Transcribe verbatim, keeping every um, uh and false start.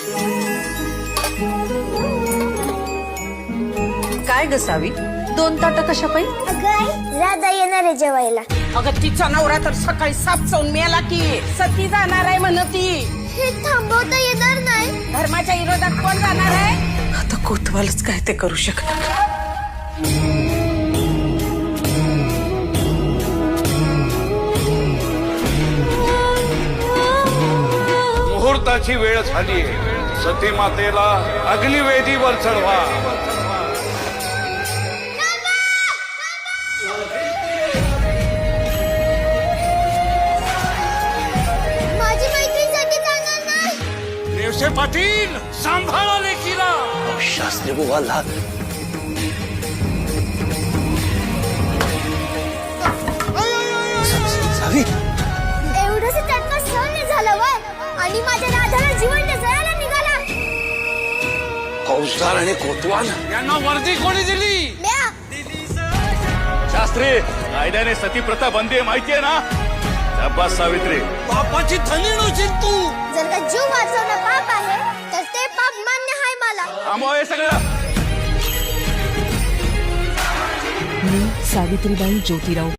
काय ग सावी, दोन ताट कशा पाहिजे? अगं राधा येणार आहे जेवायला. अगं तिचा नवरा तर सकाळी साप चावून मेला की सती जाणार आहे म्हण ती. हे थांबवता येणार नाही. धर्माच्या विरोधात कोण जाणार आहे? आता कोतवालच काय ते करू शकणार. मुहूर्ताची वेळ झाली. सती मातेला अग्निवेदीवर चढवा. माझी मैत्रीसाठी जाणार नाही. नेवसे पाटील सांभाळा लेकीला. शास्त्री बुवा लाग. सावी एवढंच त्यांना सहन नाही झालं वय आणि माझ्या राधाला जिवंत जळायला निघाला. फौजदार आणि कोतवाल यांना वर्दी कोणी दिली? म्या शास्त्री, कायद्याने सती प्रथा बंदी आहे माहितीये ना? शाबास सावित्री. बापाची थली नव्हती तू. जर का जीव वाचवणं पाप आहे तर ते पाप मान्य आहे मला. थांबवा हे सगळं. मी सावित्रीबाई ज्योतिराव